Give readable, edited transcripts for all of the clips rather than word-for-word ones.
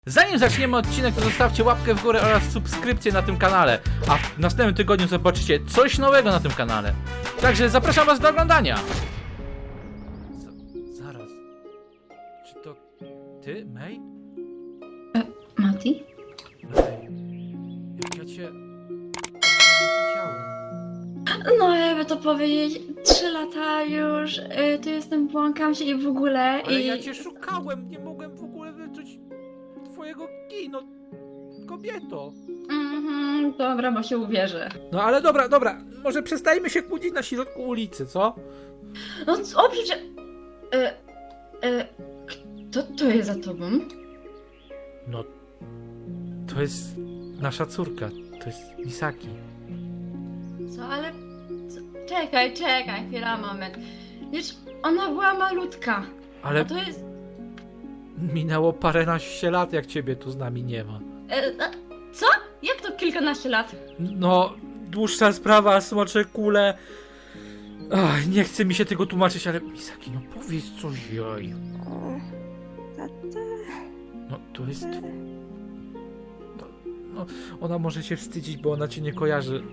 Zanim zaczniemy odcinek, to zostawcie łapkę w górę oraz subskrypcję na tym kanale, a w następnym tygodniu zobaczycie coś nowego na tym kanale. Także zapraszam was do oglądania! Zaraz... Czy to ty, May? Mati? May, jak ja cię... nie widziałem. No jakby to powiedzieć, 3 lata już, tu jestem, błąkam się i w ogóle Ale i... ja cię szukałem, nie mogłem w ogóle wyczuć twojego kino, kobieto. Dobra, bo się uwierzę. No ale dobra, może przestajmy się kłócić na środku ulicy, co? No co, przecież... Kto to jest za tobą? No, to jest nasza córka, to jest Misaki. Co, ale... Czekaj, chwila, moment. Wiesz, ona była malutka, Ale a to jest... minęło paręnaście lat, jak ciebie tu z nami nie ma. Co? Jak to kilkanaście lat? No, dłuższa sprawa, smocze kule. Ach, nie chce mi się tego tłumaczyć, ale Misaki, no powiedz coś jej. No, to jest... No, ona może się wstydzić, bo ona cię nie kojarzy.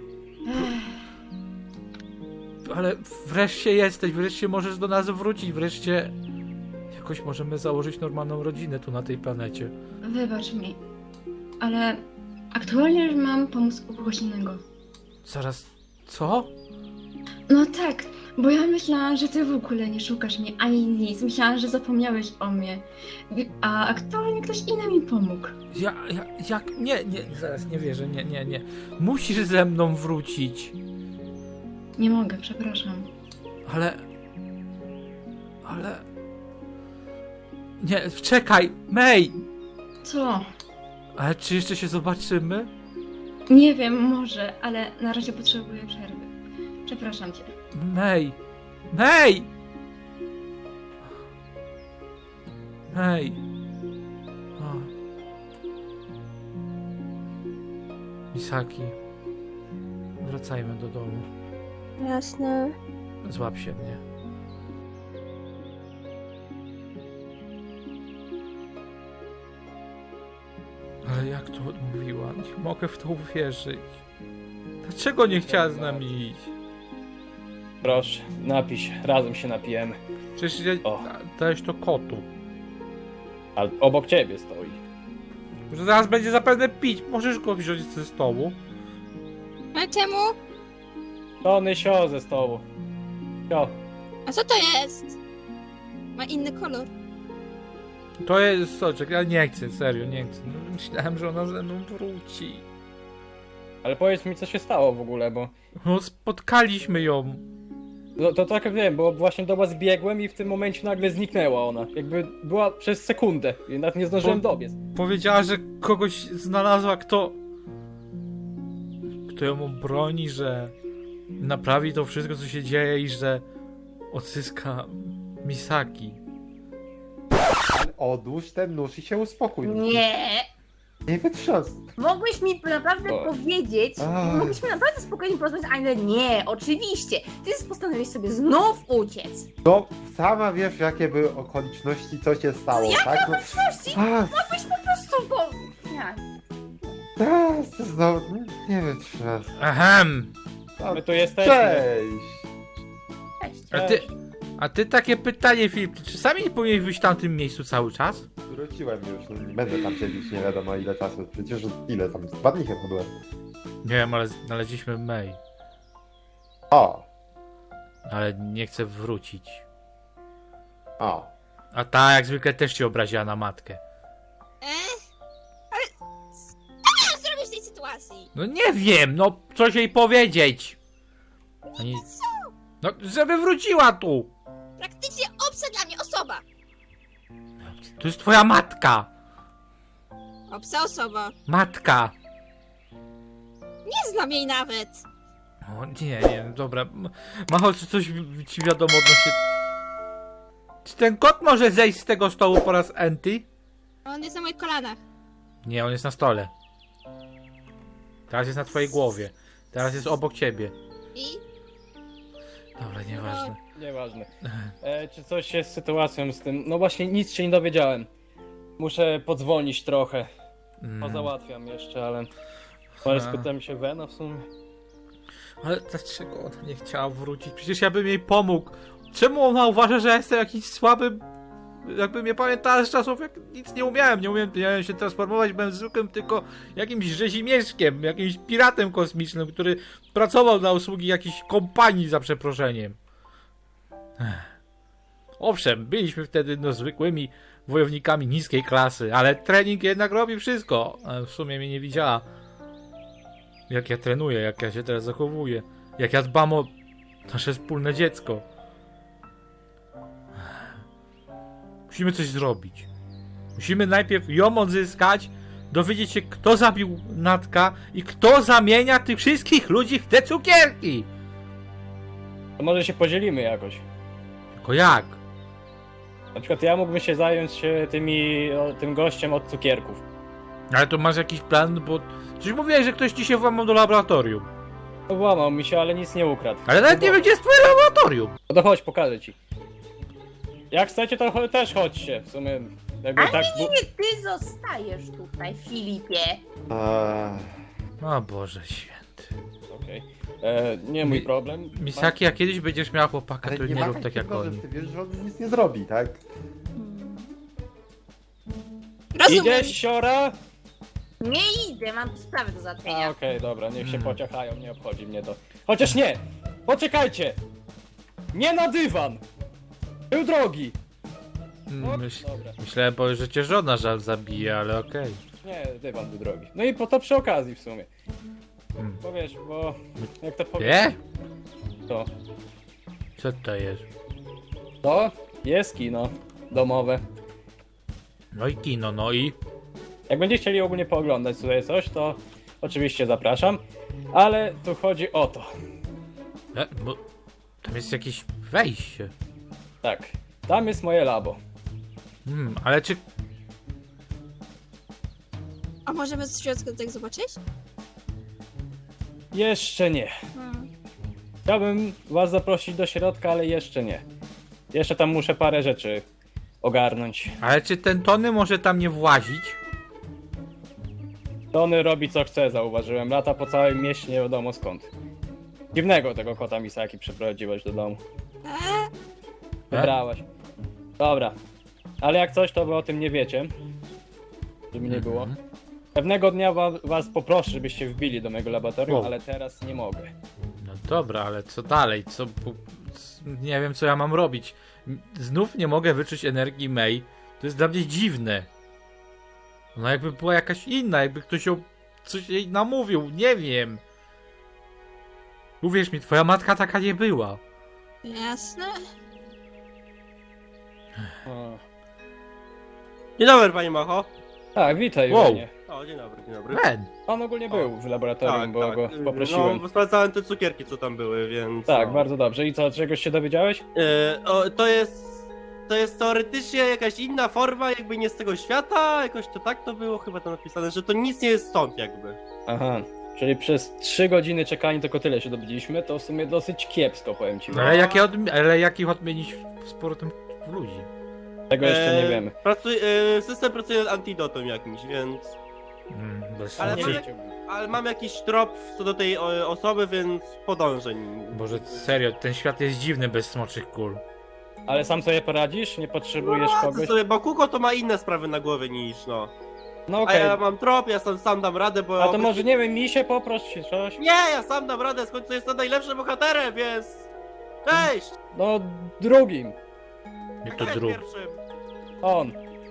Ale wreszcie jesteś, wreszcie możesz do nas wrócić, wreszcie jakoś możemy założyć normalną rodzinę tu na tej planecie. Wybacz mi, ale aktualnie już mam pomysł u kogoś innego. Zaraz, co? No tak, bo ja myślałam, że ty w ogóle nie szukasz mnie ani nic. Myślałam, że zapomniałeś o mnie. A aktualnie ktoś inny mi pomógł. Jak? Nie, zaraz, nie wierzę, nie. Musisz ze mną wrócić. Nie mogę, przepraszam. Ale... Nie, czekaj, May! Co? Ale czy jeszcze się zobaczymy? Nie wiem, może, ale na razie potrzebuję przerwy. Przepraszam cię. May! O. Misaki. Wracajmy do domu. Jasne. Złap się mnie. Ale jak to odmówiła? Nie mogę w to uwierzyć. Dlaczego nie chciała z nami iść? Proszę, napij się, razem się napijemy. Przecież ja... O. dałeś to kotu. Ale obok ciebie stoi. Że zaraz będzie zapewne pić. Możesz go wziąć ze stołu. A czemu? Tony sio ze stołu. Sio. A co to jest? Ma inny kolor. To jest soczek. Ja nie chcę, serio, nie chcę. Myślałem, że ona ze mną wróci. Ale powiedz mi, co się stało w ogóle, bo... No, spotkaliśmy ją. No, to tak wiem, bo właśnie do was biegłem i w tym momencie nagle zniknęła ona. Jakby była przez sekundę i nawet nie zdążyłem dobiec. Powiedziała, że kogoś znalazła, kto ją obroni, że naprawi to wszystko, co się dzieje i że odzyska Misaki. Odłóż ten nóż i się uspokój. Nie! Nie wytrząs. Mogłeś mi naprawdę O. powiedzieć, Ach. mogliśmy naprawdę spokojnie porozmawiać, ale nie, oczywiście. Ty postanowiłeś sobie znów uciec. No, sama wiesz, jakie były okoliczności, co się stało, tak? No, Okoliczności mogłeś po prostu, bo... Ja. no, nie wytrząs. Ahem! My tu jesteśmy. Cześć! Cześć. A ty takie pytanie, Filip, czy czasami nie powinieneś być w tamtym miejscu cały czas? Wróciłem już, no, nie będę tam siedzieć nie wiadomo ile czasu. Przecież ile tam, 2 dni chyba byłem. Nie wiem, ale znaleźliśmy May. O, Ale nie chce wrócić. o. A ta jak zwykle też cię obraziła na matkę. Ale... Co miałam zrobić w tej sytuacji? No nie wiem, no coś jej powiedzieć. Ani... No, żeby wróciła tu. Praktycznie obca dla mnie osoba. To jest twoja matka. Obca osoba. Matka. Nie znam jej nawet. O, nie, dobra. Macho, czy coś ci wiadomo odnośnie... Czy ten kot może zejść z tego stołu po raz enty? On jest na moich kolanach. Nie, on jest na stole. Teraz jest na twojej głowie. Teraz jest obok ciebie. I? Dobra, nieważne. Nieważne. Czy coś jest z sytuacją z tym? No właśnie, nic się nie dowiedziałem. muszę podzwonić trochę. Mm. Pozałatwiam jeszcze, ale... Ale spytam się Vena w sumie. Ale dlaczego ona nie chciała wrócić? Przecież ja bym jej pomógł. Czemu ona uważa, że ja jestem jakiś słaby? Jakby mnie pamiętała z czasów, jak nic nie umiałem się transformować, byłem zwykłym tylko jakimś rzezimieszkiem, jakimś piratem kosmicznym, który pracował na usługi jakiejś kompanii, za przeproszeniem. Owszem, byliśmy wtedy no zwykłymi wojownikami niskiej klasy, ale trening jednak robi wszystko. A w sumie mnie nie widziała. Jak ja trenuję, jak ja się teraz zachowuję, jak ja dbam o nasze wspólne dziecko. Musimy coś zrobić. Musimy najpierw ją odzyskać, dowiedzieć się, kto zabił Natka i kto zamienia tych wszystkich ludzi w te cukierki. To może się podzielimy jakoś. Tylko jak? Na przykład ja mógłbym się zająć tym gościem od cukierków. Ale to masz jakiś plan, bo... Przecież mówiłeś, że ktoś ci się włamał do laboratorium. No włamał mi się, ale nic nie ukradł. Ale nawet nie wiem, gdzie jest twoje laboratorium. No to chodź, pokażę ci. Jak chcecie, to też chodźcie. W sumie jakby Ale tak... nie, ty zostajesz tutaj, Filipie. O Boże święty. Okej. Nie mój problem. Misaki, jak kiedyś będziesz miał chłopaka, Ale to nie nie ma rób tak jak takiego, że oni. ty wiesz, że on nic nie zrobi, tak? Rozumiem. Idziesz, siora? Nie idę, mam sprawę do A, załatwienia. okej, dobra, niech się pociachają, nie obchodzi mnie to. Chociaż nie! Poczekajcie! Nie na dywan! Był drogi! Dobra. Myślałem, że cię żona żal zabije, ale okej. Nie, dywan był drogi. No i po to przy okazji w sumie. Hmm. Bo wiesz, bo... Jak to powiem... Nie? To. Co to jest? To jest kino domowe. No i kino, no i... Jak będziecie chcieli ogólnie pooglądać tutaj coś, to oczywiście zapraszam. Ale tu chodzi o to. Bo tam jest jakieś wejście. Tak, tam jest moje labo. Ale czy... A możemy z środka tak zobaczyć? Jeszcze nie. Chciałbym was zaprosić do środka, ale jeszcze nie. Jeszcze tam muszę parę rzeczy ogarnąć. Ale czy ten Tony może tam nie włazić? Tony robi co chce, zauważyłem. Lata po całym mieście, nie wiadomo skąd. Dziwnego tego kota Misaki przyprowadziłeś do domu. Wybrałaś. Dobra. Ale jak coś, to wy o tym nie wiecie. Żeby nie było. Pewnego dnia was poproszę, żebyście wbili do mojego laboratorium, Wow. ale teraz nie mogę. No dobra, ale co dalej? Nie wiem, co ja mam robić. Znów nie mogę wyczuć energii Mei. To jest dla mnie dziwne. Ona jakby była jakaś inna, jakby ktoś ją coś jej namówił, nie wiem. Uwierz mi, twoja matka taka nie była. Jasne. O. Dzień dobry, panie Macho. Tak, witaj, Wow. Julianie. O, dzień dobry, dzień dobry. Ben! On ogólnie był w laboratorium, bo go No, poprosiłem. bo sprawdzałem te cukierki, co tam były, więc... Tak, no. bardzo dobrze. I co, czegoś się dowiedziałeś? To jest teoretycznie jakaś inna forma, jakby nie z tego świata, jakoś to tak to było chyba tam napisane, że to nic nie jest stąd jakby. Aha, czyli przez 3 godziny czekania tylko tyle się dowiedzieliśmy, to w sumie dosyć kiepsko, powiem ci. Ale jak ich odmienić z powrotem w ludzi? Tego jeszcze nie wiemy. System pracuje nad antidotum jakimś, więc... Bez Ale sensu. Ale mam jakiś trop co do tej osoby, więc podążę nim. Boże, serio, ten świat jest dziwny bez smoczych kul. Ale sam sobie poradzisz? Nie potrzebujesz To kogoś? sobie Bakugo to ma inne sprawy na głowie niż no. No A okej. ja mam trop, ja sam dam radę, bo... A to może, nie wiem, mi się poproś czy coś? Nie, ja sam dam radę, skąd to jestem najlepszym bohaterem, więc... Cześć! No, drugim. Jak to Jak drugi. pierwszym? On.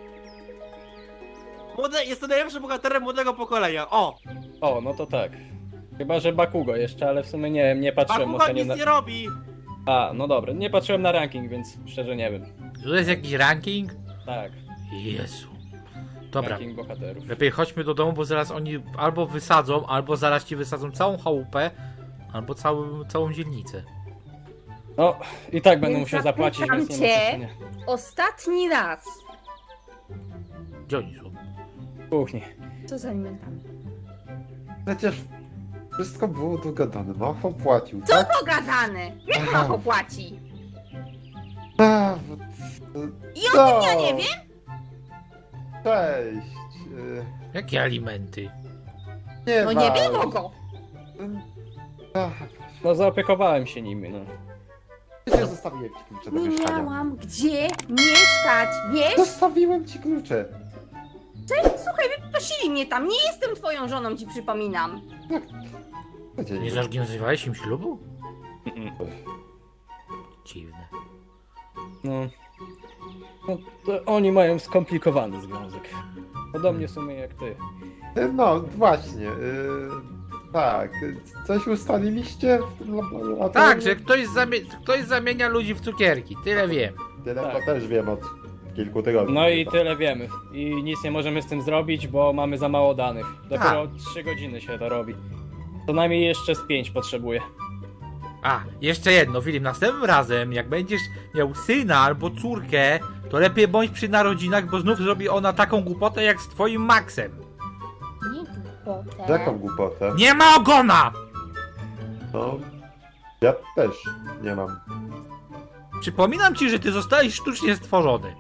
Jestem najlepszym bohaterem młodego pokolenia, o! O, no to tak. Chyba, że Bakugo jeszcze, ale w sumie nie wiem, nie patrzyłem Bakugo ostatnio nic na... nie robi! A, no dobra, nie patrzyłem na ranking, więc szczerze nie wiem. Tu jest jakiś ranking? Tak, Jezu. Dobra, ranking bohaterów. lepiej chodźmy do domu, bo zaraz oni albo wysadzą, albo zaraz ci wysadzą całą chałupę, albo całą dzielnicę. No, i tak będę Więc musiał zapłacić, zapytam więc nie ma cię. znaczenia. Ostatni raz. Gdzie oni są? W kuchni. Co z alimentami? Przecież wszystko było dogadane, Macho płacił, Co tak? pogadane? Jak Aha. Macho płaci? A, I o tym ja nie wiem? Cześć. Jakie alimenty? Nie No nie walcz. było go! Ach, No zaopiekowałem się nimi, no. Przecież zostawiłem ci klucze do Nie mieszkania. miałam gdzie mieszkać, wiesz? Zostawiłem ci klucze. Słuchaj, wyprosili mnie tam, nie jestem twoją żoną, ci przypominam. Gdzie Nie zorganizowałeś im ślubu? Mm-mm. Dziwne. No. No to oni mają skomplikowany związek. Podobnie w sumie jak ty. No właśnie. Tak. Coś ustaliliście w tym laboratorium? Tak, że ktoś zamienia ludzi w cukierki, tyle wiem. Tyle Tak. to też wiem od kilku tygodni. No i chyba. tyle wiemy. I nic nie możemy z tym zrobić, bo mamy za mało danych. Dopiero 3 godziny się to robi. Co najmniej jeszcze z 5 potrzebuję. A, jeszcze jedno, Filip, następnym razem, jak będziesz miał syna albo córkę, to lepiej bądź przy narodzinach, bo znów zrobi ona taką głupotę jak z twoim Maxem. Nie głupotę. Jaką głupotę? Nie ma ogona! No. Ja też nie mam. Przypominam ci, że ty zostałeś sztucznie stworzony.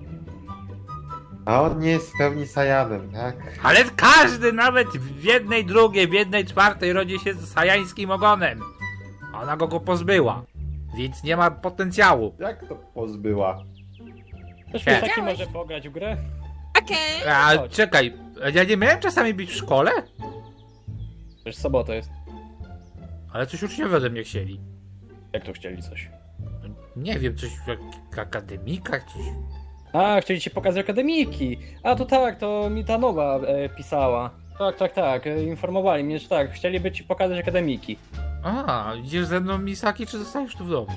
A on nie jest w pełni Sajanem, tak? Ale każdy, nawet w jednej drugiej, w jednej czwartej rodzi się z sajańskim ogonem. Ona go pozbyła, więc nie ma potencjału. Jak to pozbyła? Ktoś Nie. mi taki może pograć w grę? Okej. A Chodź. czekaj, ja nie miałem czasami być w szkole? Przecież sobota jest. Ale coś uczniowie ode mnie chcieli. Jak to chcieli coś? Nie wiem, coś jak akademikach, coś. A, chcieli ci pokazać akademiki. A to tak, to mi ta nowa pisała. Tak, informowali mnie, że tak, chcieliby ci pokazać akademiki. A, idziesz ze mną, Misaki, czy zostajesz tu w domu?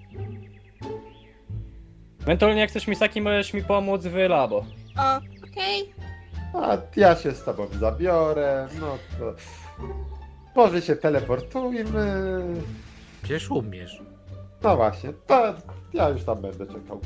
Ewentualnie jak chcesz Misaki, możesz mi pomóc w labo. O, okej. A ja się z tobą zabiorę, no to... Może się teleportujmy. Przecież umiesz. No właśnie, to ja już tam będę czekał.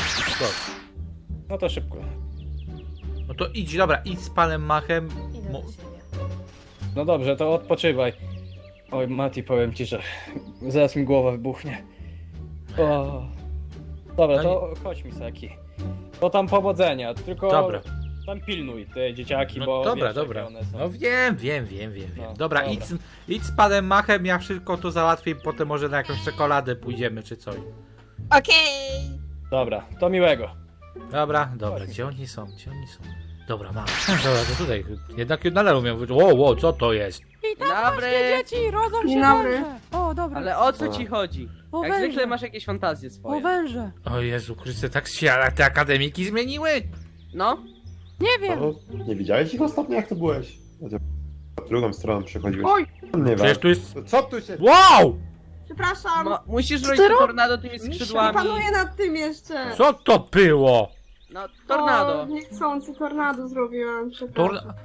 No to szybko. No to idź, dobra, idź z panem Machem. Idę Mo- do siebie. No dobrze, to odpoczywaj. Oj, Mati, powiem ci, że zaraz mi głowa wybuchnie. O. Dobra, No to chodź Misaki. To tam powodzenia, tylko Dobra. tam pilnuj te dzieciaki, No bo dobra, wiesz, dobra. jakie one są. No wiem. No, Dobra, dobra. idź z panem Machem, ja wszystko to załatwię, potem może na jakąś czekoladę pójdziemy czy coś. Okej. Dobra, to miłego. Dobra, Chodź. gdzie oni są? Dobra, mam. Dobra, to tutaj, jednak nadal umiem powiedzieć, wow, co to jest? Dzień dobry! Dzieci, rodzą się Dzień dobry. węże! O, dobra. Ale o co ci chodzi? O Jak węże. zwykle masz jakieś fantazje O swoje. węże! O Jezu Chryste, tak się ale te akademiki zmieniły? No, Nie wiem! No, nie widziałeś ich ostatnio, jak to byłeś? Drugą stroną przechodziłeś. Oj, Nie Przecież wiem. tu jest... Co tu się... Wow! przepraszam. musisz Co robić ty to robisz? tornado tymi skrzydłami. Panuję nad tym jeszcze. Co to było? No, tornado. O, niechcący tornado zrobiłam, Tor... przepraszam.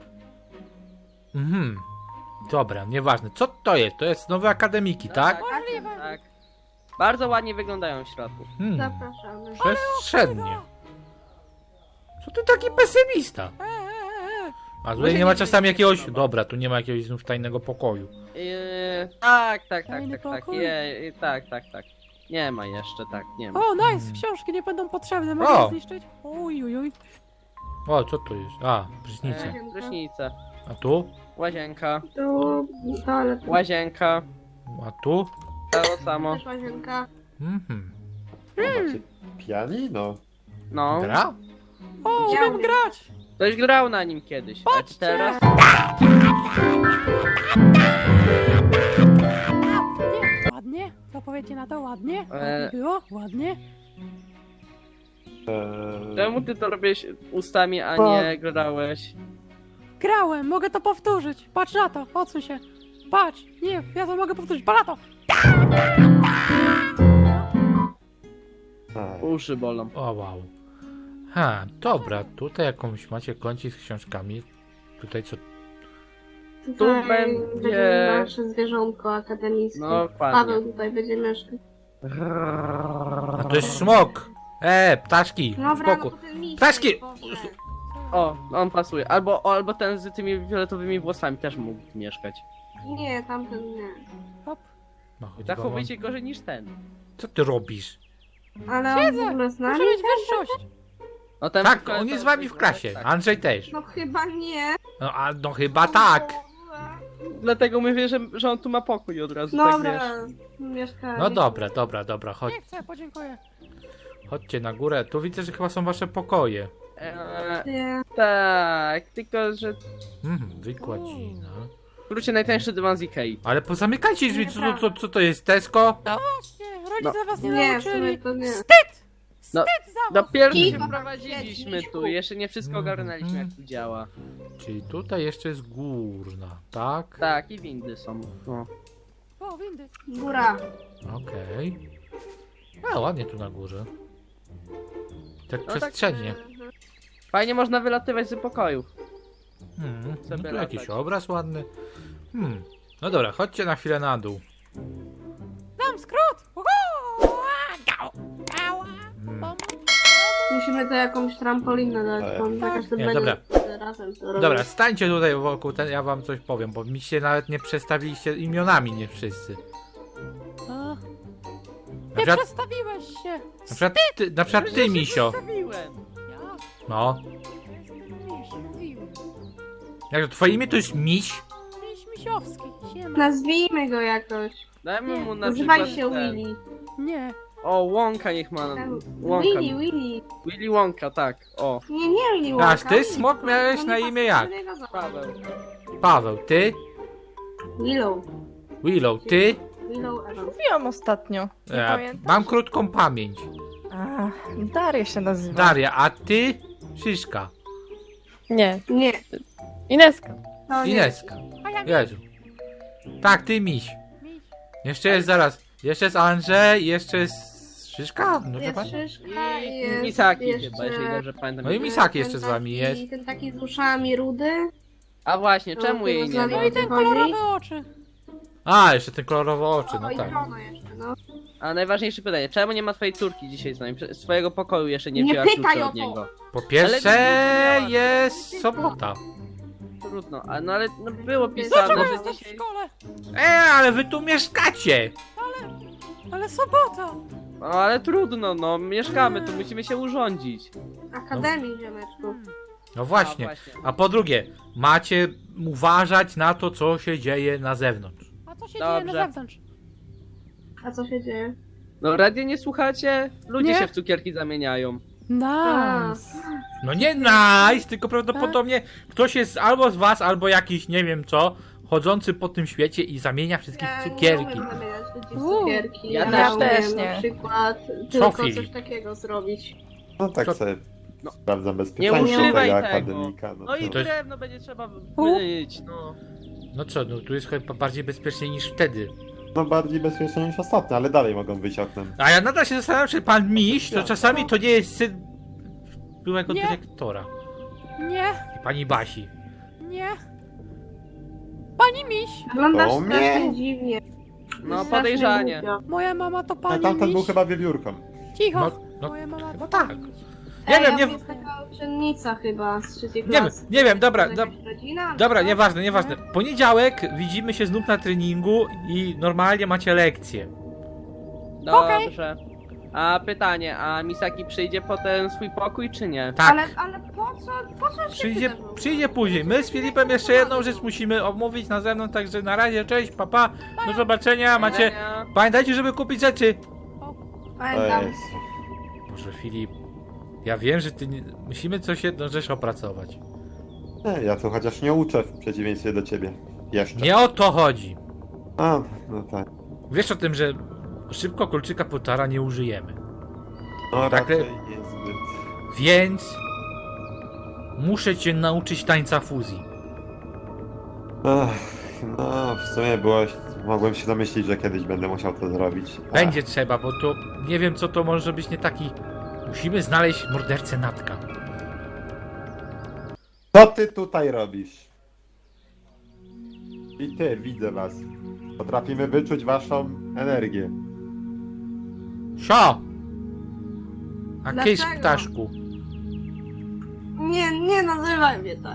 Mhm. Dobra, nieważne. Co to jest? To jest nowe akademiki, tak? Tak. Bardzo ładnie wyglądają w środku. Zapraszamy. Przestrzennie. Co ty taki pesymista? A tutaj nie ma czasami jakiegoś... Dobra, tu nie ma jakiegoś znów tajnego pokoju. Tak. Tajny pokój? Tak. Nie ma jeszcze, tak, nie ma. O, nice! Książki nie będą potrzebne, mogę O! je zniszczyć? Uj. O, co tu jest? A, prysznice. Prysznice. A tu? Łazienka. Tu, toalet. Łazienka. A tu? To samo. Też łazienka. Mhm. Macie pianino? No. Gra? O, Ja umiem umiem. grać! Ktoś grał na nim kiedyś. A Patrzcie! teraz? Ładnie? Co powiecie na to? Ładnie? Eee. Ładnie było? Ładnie? Czemu ty to robisz ustami, a nie grałeś? Grałem, mogę to powtórzyć! Patrz na to, odsuń się! Patrz! Nie, ja to mogę powtórzyć, patrz na to! Aj, Uszy bolą. O, wow. Ha, dobra, tutaj jakąś macie kącik z książkami. Tutaj co? Tutaj będzie- nasze zwierzątko akademickie. No, dokładnie. Paweł tutaj będzie mieszkać. A to jest smok! Ptaszki! Dobra, Spoko. no to ten miś, Ptaszki! Boże. O, on pasuje. Albo ten z tymi fioletowymi włosami też mógł mieszkać. Nie, tamten nie. Hop. No, chodź, Zachowuje się gorzej niż ten. Co ty robisz? Ale on w ogóle Muszę znany? mieć wyższość! No ten Tak, fioletowy on jest z wami w klasie. tak. Andrzej też. No chyba nie. No chyba tak. Dlatego mówię, że on tu ma pokój od razu, tak wiesz. Dobra, mieszkanie. No dobra, chodź. Nie chcę, podziękuję. Chodźcie na górę. Tu widzę, że chyba są wasze pokoje. Nie. Tak, tylko że... Wykładzina. Wróćcie najtańszy dywan z Ikei. Ale pozamykajcie drzwi, co to jest, Tesco? Nie, rodzice was nie Nie, w sumie nauczyli. to nie. Wstyd! No, Wstyd za was! Dopiero się Kiwa, wprowadziliśmy siedź, tu, jeszcze nie wszystko ogarnęliśmy jak tu działa. Czyli tutaj jeszcze jest górna, tak? Tak, i windy są. No. O, windy. Góra. Okej. A, ładnie tu na górze. Tak No tak, przestrzennie. Fajnie można wylatywać z pokojów. No sobie tu jakiś latać. obraz ładny. No dobra, chodźcie na chwilę na dół. Dam skrót! Uhu! Ała! Musimy to jakąś trampolinę dać, bo Tak. jakaś to Nie, będzie dobra. razem to robić. Dobra, stańcie tutaj wokół, ja wam coś powiem, bo mi się nawet nie przedstawiliście imionami, nie wszyscy. A, Na nie przykład, przedstawiłeś się! na przykład ty, Misio. Przedstawiłem. Ja No. jestem Miś, mówiłem. Jak to twoje imię to jest Miś? Miś Misiowski, siema. Nazwijmy go jakoś. Dajmy mu na Używaj przykład się ten- Willy. Nie. O, Łąka niech ma. Łąka. Willy. Willy Łąka, tak. O, Nie Willy Wonka. Aż ty, Smok, miałeś To na nie imię pasuje jak? do niego za- Paweł. Paweł, ty? Willow. Willow, ty? Willow Evans. Mówiłam ostatnio. Nie pamiętasz? Mam krótką pamięć. A, Daria się nazywa. Daria, a ty? Szyszka. Nie, Nie. Ineska. To nie. Ineska. A ja Jezu. Tak, ty Miś. Miś. Jeszcze jest zaraz. Jeszcze jest Andrzej, jeszcze jest Szyszka? No, wie Jest pan? Szyszka i I jest Misaki jeszcze... chyba, jeżeli dobrze pamiętam. No i Misaki jeszcze z wami taki- jest. Ten taki z uszami rudy. A właśnie, czemu jej nie ma? No i ten kolorowy oczy. A, jeszcze te kolorowe oczy, O, no i tak. Bruno jeszcze, no. A najważniejsze pytanie, czemu nie ma twojej córki dzisiaj z nami? Swojego pokoju jeszcze nie Nie wzięła pytaj kluczy o od to. niego. Po pierwsze Ale- jest sobota. Trudno, no ale no było pisane, Dlaczego że jesteś w dzisiaj... szkole? Ale wy tu mieszkacie! Ale sobota. No ale trudno, no mieszkamy, tu musimy się urządzić. Akademii, ziomeczku. No właśnie. A po drugie, macie uważać na to, co się dzieje na zewnątrz. A co się Dobrze. dzieje na zewnątrz? A co się dzieje? No radio nie słuchacie? Ludzie Nie. się w cukierki zamieniają. Nice. No nie nice, tylko prawdopodobnie ktoś jest albo z was, albo jakiś, nie wiem co, chodzący po tym świecie i zamienia wszystkich w Ja nie cukierki. umiem zamieniać ludzi w cukierki. Ja też umiem nie. na przykład tylko Filip? coś takiego zrobić. No tak Co- sobie No. sprawdzam Nie bezpieczeństwo używaj tego tego. akademika. No i To jest- drewno będzie trzeba myć, no. No co, no tu jest chyba bardziej bezpiecznie niż wtedy. No bardziej bezpieczne niż ostatnio, ale dalej mogą wyjść oknem. A ja nadal się zastanawiam, czy pan Miś, to Ja. czasami to nie jest syn byłego Nie. dyrektora. Nie, I pani Basi. nie. Pani Miś, Wyglądasz To strasznie mnie. dziwnie. No Strasznie podejrzanie. głupio. moja mama to A pani tamten był Miś. chyba wiewiórką. Cicho. No, Moja mama chyba to tak. pani Miś. Nie Ej, wiem, a nie- to jest taka uczennica chyba z trzeciej Nie wiem, klasy. nie wiem, dobra, To jakaś rodzina? dobra, Co? nieważne. Poniedziałek widzimy się znów na treningu i normalnie macie lekcje. Dobrze. A pytanie, a Misaki przyjdzie po ten swój pokój, czy nie? Tak. Ale po co się Przyjdzie później. My z Filipem jeszcze jedną rzecz musimy omówić na zewnątrz, także na razie, cześć, papa, do zobaczenia, macie... Widzenia. Pamiętajcie, żeby kupić rzeczy. To Pamiętam. jest. Boże, Filip, ja wiem, że ty nie... musimy coś jedną rzecz opracować. Nie, ja tu chociaż nie uczę w przeciwieństwie do ciebie. Jeszcze. Nie o to chodzi. A, no tak. Wiesz o tym, że szybko kolczyka Potara nie użyjemy. No Tak, raczej niezbyt. Więc... muszę cię nauczyć tańca fuzji. Ach, no, w sumie mogłem się domyślić, że kiedyś będę musiał to zrobić. Ach, Będzie trzeba, bo to nie wiem co to może być nie taki... Musimy znaleźć mordercę Natka. Co ty tutaj robisz? I ty, widzę was. Potrafimy wyczuć waszą energię. Sio! A kiedyś Dlaczego? ptaszku. Nie nazywaj mnie tak.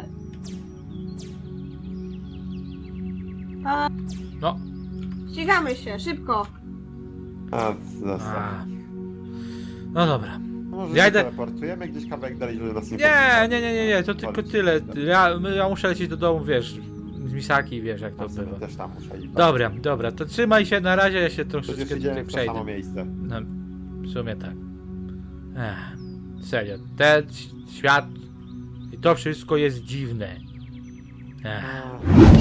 No. Ścigamy się, szybko. A, zostaw. A. No dobra. No może Ja się idę- teleportujemy gdzieś kawałek dalej, żeby nas Nie, to tylko tyle. Ja muszę lecieć do domu, wiesz, z Misaki, wiesz jak to bywa. Też tam muszę iść. Dobra, to trzymaj się na razie, ja się Przecież troszeczkę idziemy tutaj w to samo przejdę. miejsce. No, w sumie tak. Serio, ten świat i to wszystko jest dziwne.